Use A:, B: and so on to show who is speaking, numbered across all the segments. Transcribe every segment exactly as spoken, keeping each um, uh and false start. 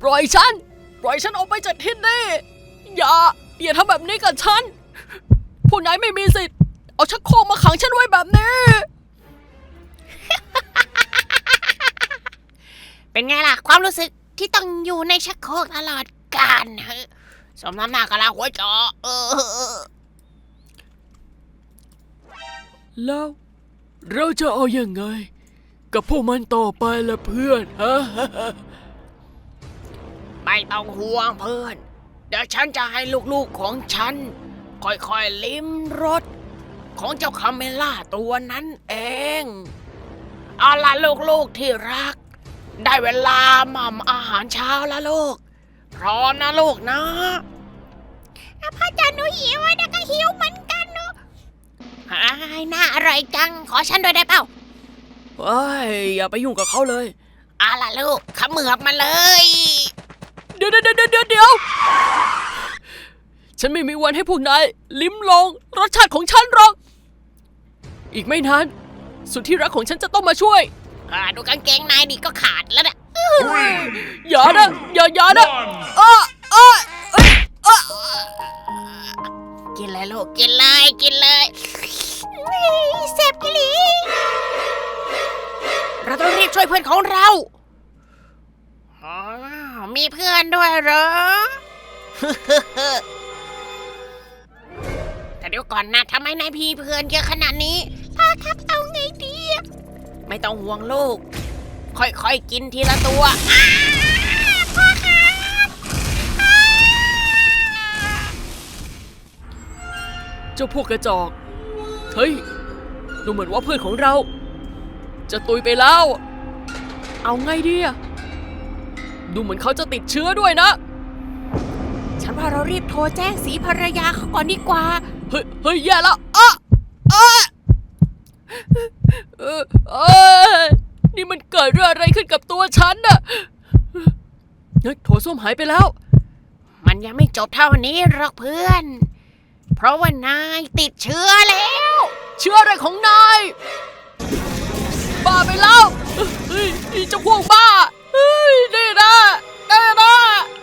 A: ปล่อยฉันปล่อยฉันออกไปจากที่นี่อย่าอย่าทำแบบนี้กับฉันผู้นายไม่มีสิทธิ์เอาชักโครกมาขังฉันไว้แบบนี้
B: เป็นไงล่ะความรู้สึกที่ต้องอยู่ในชักโครกตลอดกาลสมน้ำหน้ากะลาหัวจอเออ
A: แล้วเราจะเอาอยัางไงกับพวกมันต่อไปล่ะเพื่อนฮะ
B: ไม่ต้องห่วงเพื่อนเดี๋ยวฉันจะให้ลูกๆของฉันค่อยๆลิ้มรสของเจ้าคาเมล่าตัวนั้นเองเอาล่ะลูกๆที่รักได้เวลาหม่ำอาหารเช้าแล้วลูกพร้อมนะลูกนะพ่อจ๋าหนูหิวนะก็หิวเหมือนกันเนาะหายน่าอร่อยจังขอฉันด้วยได้เปล่า
A: เฮ้ยอย่าไปยุ่งกับเขาเลย
B: เอาล่ะลูกขมือบมาเลย
A: เดี๋ยวเดี๋ยวเดี๋ยวเดี๋ยวเดี๋ยวฉันไม่มีวันให้พวกนายลิ้มลองรสชาติของฉันหรอกอีกไม่นานสุดที่รักของฉันจะต้องมาช่วย
B: อ่าดูกางเกงนายนี่ก็ขาดแล้วเนี่ย
A: อย่านะอย่าอย่านะเออเออเออเออ
B: กินเลยลูกกินเลยกินเลยเจ็บกิลีเราต้องรีบช่วยเพื่อนของเราอ๋อมีเพื่อนด้วยเหรอ แต่เดี๋ยวก่อนนะทำไมนายพี่เพื่อนเยอะขนาดนี้พ่อครับเอาไงดีไม่ต้องห่วงลูกค่อยๆกินทีละตัวพ่อครับ
A: เจ้าพวกกระจอกเฮ้ยดูเหมือนว่าเพื่อนของเราจะตุยไปแล้วเอาไงดีอะดูเหมือนเขาจะติดเชื้อด้วยนะ
B: ฉันว่าเรารีบโทรแจ้งสีภรรยาเขาก่อนดีกว่า
A: เฮ้ยเฮ้ยแย่แล้วอ่ะอ่ะเออเออนี่มันเกิดเรื่องอะไรขึ้นกับตัวฉันน่ะเฮ้ยโถส้วมหายไปแล้ว
B: มันยังไม่จบเท่านี้หรอกเพื่อนเพราะว่านายติดเชื้อแล้ว
A: เชื้ออะไรของนายบ้าไปแล้วเฮ้ยเจ้าพวกบ้าเฮ้ยนี่นะนี่นะ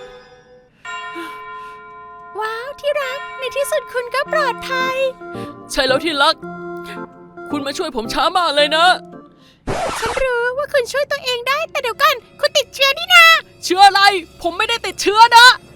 B: ว้าวที่รักในที่สุดคุณก็ปลอดภัย
A: ใช่แล้วที่รักคุณมาช่วยผมช้ามากเลยนะ
B: ฉันรู้ว่าคุณช่วยตัวเองได้แต่เดี๋ยวก่อนคุณติดเชื้อนี่นา
A: เชื้ออะไรผมไม่ได้ติดเชื้อนะ